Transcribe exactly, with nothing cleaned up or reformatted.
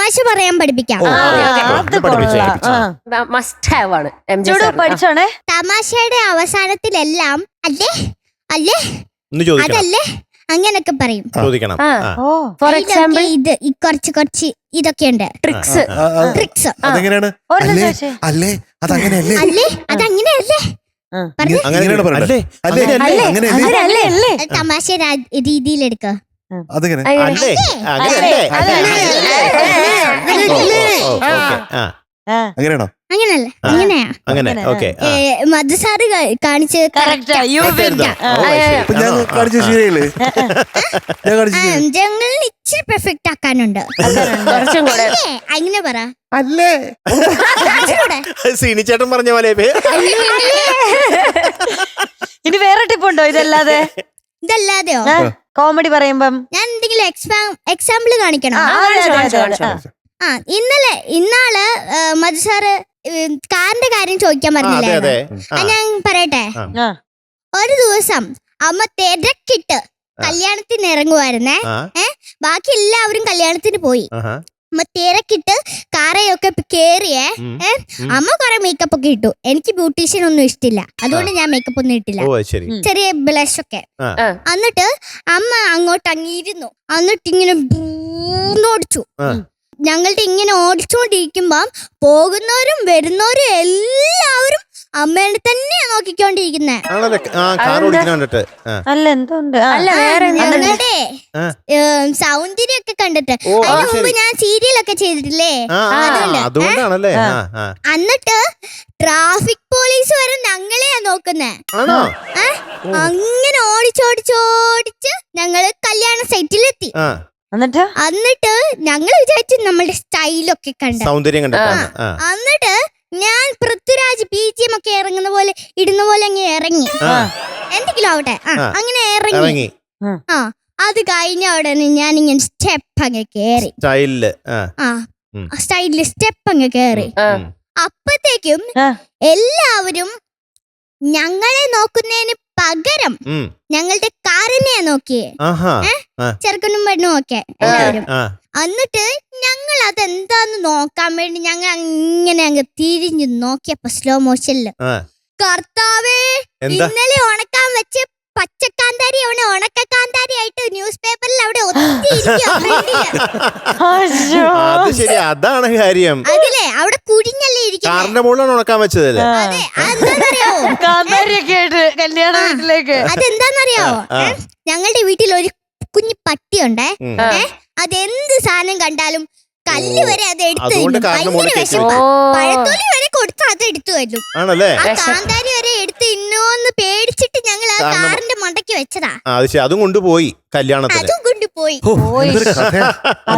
തമാശ പറയാൻ പഠിപ്പിക്കാം. മസ്റ്റ് ഹാവ് ആണ് പഠിച്ചോണേ. തമാശയുടെ അവസാനത്തിലെല്ലാം അല്ലേ അല്ലേ അതല്ലേ അങ്ങനൊക്കെ പറയും. ഫോർ എക്സാമ്പിൾ ഇത് കുറച്ച് കുറച്ച് ഇതൊക്കെയുണ്ട് ട്രിക്സ്. ട്രിക്സ് അതെങ്ങനെയാണ്? അല്ലേ അതങ്ങനെയല്ലേ? അല്ലേ അതങ്ങനെയല്ലേ തമാശ രീതിയിലെടുക്ക. അതെങ്ങനെ? അങ്ങനെയാണോ? അങ്ങനല്ല അങ്ങനെയാ. മധുസാറ് കാണിച്ച് ഞങ്ങളിൽ ഇച്ചിരി പെർഫെക്റ്റ് ആക്കാനുണ്ട്. അങ്ങനെ പറ. അല്ലേ സീനിച്ചേട്ടൻ പറഞ്ഞ പോലെ ഇനി വേറെ ടിപ്പുണ്ടോ ഇതല്ലാതെ? ഇതല്ലാതെയോ? കോമഡി പറയുമ്പം ഞാൻ എന്തെങ്കിലും എക്സാമ്പിൾ കാണിക്കണം. ആ ഇന്നലെ ഇന്നാള് മധുസാറ് കാറിന്റെ കാര്യം ചോദിക്കാൻ പറഞ്ഞില്ലേ? ഞാൻ പറയട്ടെ. ഒരു ദിവസം അമ്മ തിരക്കിട്ട് കല്യാണത്തിന് ഇറങ്ങുവായിരുന്നേ. ഏഹ് ബാക്കി എല്ലാവരും കല്യാണത്തിന് പോയി. അമ്മ തിരക്കിട്ട് കാറയൊക്കെ കേറിയേ. ഏഹ് അമ്മ കൊറേ മേക്കപ്പ് ഒക്കെ ഇട്ടു. എനിക്ക് ബ്യൂട്ടീഷ്യൻ ഒന്നും ഇഷ്ടമില്ല, അതുകൊണ്ട് ഞാൻ മേക്കപ്പ് ഒന്നും ഇട്ടില്ല. ചെറിയ ബ്ലഷ് ഒക്കെ. എന്നിട്ട് അമ്മ അങ്ങോട്ട് അങ്ങിരുന്നു. എന്നിട്ട് ഇങ്ങനെ ഓടിച്ചു. ഞങ്ങളുടെ ഇങ്ങനെ ഓടിച്ചോണ്ടിരിക്കുമ്പോ പോകുന്നവരും വരുന്നവരും എല്ലാവരും അമ്മേനെ തന്നെയാ നോക്കിക്കൊണ്ടിരിക്കുന്നേ. ഞങ്ങളുടെ സൗന്ദര്യമൊക്കെ കണ്ടിട്ട്. അതിന് മുമ്പ് ഞാൻ സീരിയലൊക്കെ ചെയ്തിട്ടില്ലേ, അതുകൊണ്ട്. എന്നിട്ട് ട്രാഫിക് പോലീസ് വരെ ഞങ്ങളെയാ നോക്കുന്നേ. അങ്ങനെ ഓടിച്ചോടിച്ചോടിച്ച് ഞങ്ങള് കല്യാണ സൈറ്റിലെത്തി. എന്നിട്ട് എന്നിട്ട് ഞങ്ങൾ വിചാരിച്ചു നമ്മളുടെ സ്റ്റൈലൊക്കെ കണ്ട സൗന്ദര്യം കണ്ട. എന്നിട്ട് ഞാൻ പൃഥ്വിരാജ് ബി ജി എം ഒക്കെ ഇറങ്ങുന്ന പോലെ ഇടുന്ന പോലെ അങ്ങനെ ഇറങ്ങി. എന്തെങ്കിലും ആവട്ടെ അങ്ങനെ ഇറങ്ങി. ആ അത് കഴിഞ്ഞ ഉടനെ ഞാൻ ഇങ്ങനെ സ്റ്റെപ്പ് അങ്ങ് കേറി. സ്റ്റൈലില് ആ സ്റ്റൈലില് സ്റ്റെപ്പ് അങ്ങ് കേറി. അപ്പത്തേക്കും എല്ലാവരും ഞങ്ങളെ നോക്കുന്നതിന് പകരം ഞങ്ങളുടെ കാറിനെയാ നോക്കിയേ. ചെറുക്കനും പെണ്ണും ഒക്കെ എല്ലാവരും. എന്നിട്ട് ഞങ്ങൾ അതെന്താന്ന് നോക്കാൻ വേണ്ടി ഞങ്ങൾ അങ്ങനെ അങ്ങ് തിരിഞ്ഞു നോക്കിയപ്പോ സ്ലോ മോഷനില് കർത്താവേ, ഇന്നലെ ഉണക്കാൻ വെച്ച് പച്ചക്കാന്താരി അവിടെ ഉണക്കക്കാന്താരി ആയിട്ട് ന്യൂസ് പേപ്പറിൽ അവിടെ അതാണ് കാര്യം. അതിലെ അവിടെ കുഴിഞ്ഞല്ലേ ഇരിക്കുന്നത്. ഉണക്കാൻ വെച്ചതല്ലേ? അതെന്താന്നറിയോ? ഞങ്ങളുടെ വീട്ടിൽ ഒരു കുഞ്ഞു പട്ടിയുണ്ടേ. അതെന്ത് സാധനം കണ്ടാലും കല്ല് വരെ അത് എടുത്തു പഴത്തൊലി വരെ കൊടുത്ത് അത് എടുത്തു വരും. കാന്താരി വരെ എടുത്ത് ഇന്നോന്ന് പേടിച്ചിട്ട് ഞങ്ങൾ ആ കാറിന്റെ മണ്ടയ്ക്ക് വെച്ചതാ. അതും കൊണ്ടുപോയി കല്യാണത്തിന്. അതും കൊണ്ടുപോയി.